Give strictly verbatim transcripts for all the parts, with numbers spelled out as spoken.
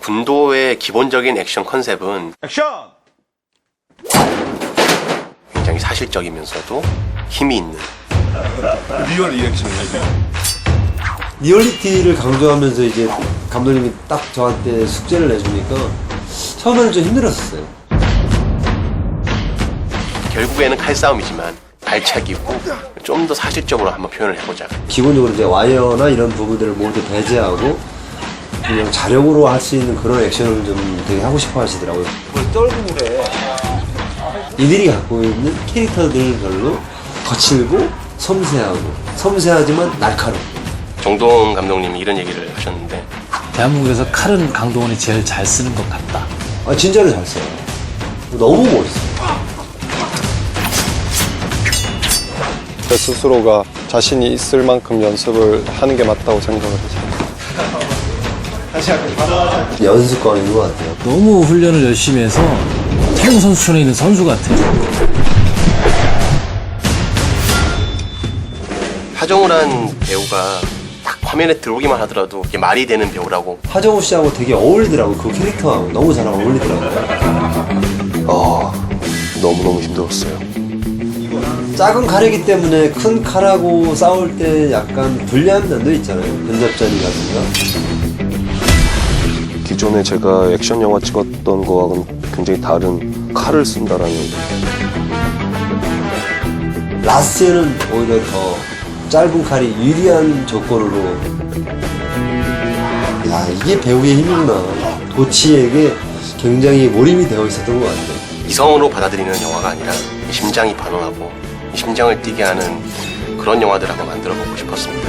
군도의 기본적인 액션 컨셉은 액션! 굉장히 사실적이면서도 힘이 있는 리얼 리액션이죠. 리얼리티를 강조하면서 이제 감독님이 딱 저한테 숙제를 내주니까 처음에는 좀 힘들었어요. 결국에는 칼싸움이지만 발차기고 좀 더 사실적으로 한번 표현을 해보자. 기본적으로 이제 와이어나 이런 부분들을 모두 배제하고 그냥 자력으로 할 수 있는 그런 액션을 좀 되게 하고 싶어 하시더라고요. 떨구래. 이들이 갖고 있는 캐릭터들별로 거칠고 섬세하고 섬세하지만 날카롭고. 정동 감독님이 이런 얘기를 하셨는데 대한민국에서 칼은 강동원이 제일 잘 쓰는 것 같다. 아 진짜로 잘 써요. 너무 멋있어요. 제 스스로가 자신이 있을 만큼 연습을 하는 게 맞다고 생각을 해서 연습광인 것 같아요. 너무 훈련을 열심히 해서 태국 선수촌에 있는 선수 같아요. 하정우란 배우가 딱 화면에 들어오기만 하더라도 이게 말이 되는 배우라고. 하정우 씨하고 되게 어울리더라고요. 그 캐릭터하고 너무 잘 어울리더라고요. 아 너무너무 힘들었어요. 작은 칼이기 때문에 큰 칼하고 싸울 때 약간 불리한 면도 있잖아요. 근접전이라든가. 기존에 제가 액션 영화 찍었던 거와는 굉장히 다른 칼을 쓴다라는 라스트에는 오히려 더 짧은 칼이 유리한 조건으로. 야 이게 배우의 힘이구나. 도치에게 굉장히 몰입이 되어 있었던 것 같아요. 이성으로 받아들이는 영화가 아니라 심장이 반응하고 심장을 뛰게 하는 그런 영화들을 한번 만들어보고 싶었습니다.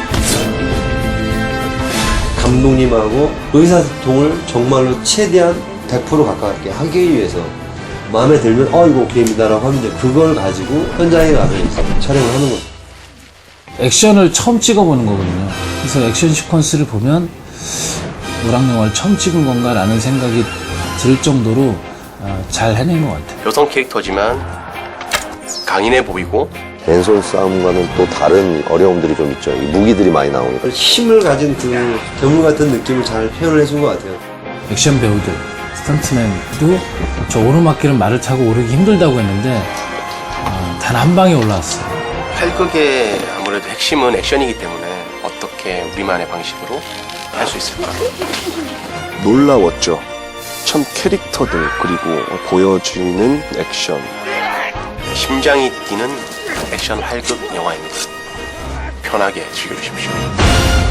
감독님하고 의사소통을 정말로 최대한 백 퍼센트 가깝게 하기 위해서 마음에 들면 어 이거 오케이입니다라고 하면 이제 그걸 가지고 현장에 가서 촬영을 하는 거죠. 액션을 처음 찍어보는 거거든요. 그래서 액션 시퀀스를 보면 노랑 영화를 처음 찍은 건가라는 생각이 들 정도로 잘 해낸 것 같아요. 여성 캐릭터지만 강인해 보이고 맨손 싸움과는 또 다른 어려움들이 좀 있죠. 이 무기들이 많이 나오니까. 힘을 가진 그 괴물 같은 느낌을 잘 표현을 해준 것 같아요. 액션 배우들, 스턴트맨도 저 오르막길은 말을 타고 오르기 힘들다고 했는데 어, 단 한 방에 올라왔어요. 활극의 아무래도 핵심은 액션이기 때문에 어떻게 우리만의 방식으로 할 수 있을까? 놀라웠죠. 참 캐릭터들 그리고 보여지는 액션. 심장이 뛰는 액션 활극 영화입니다. 편하게 즐겨주십시오.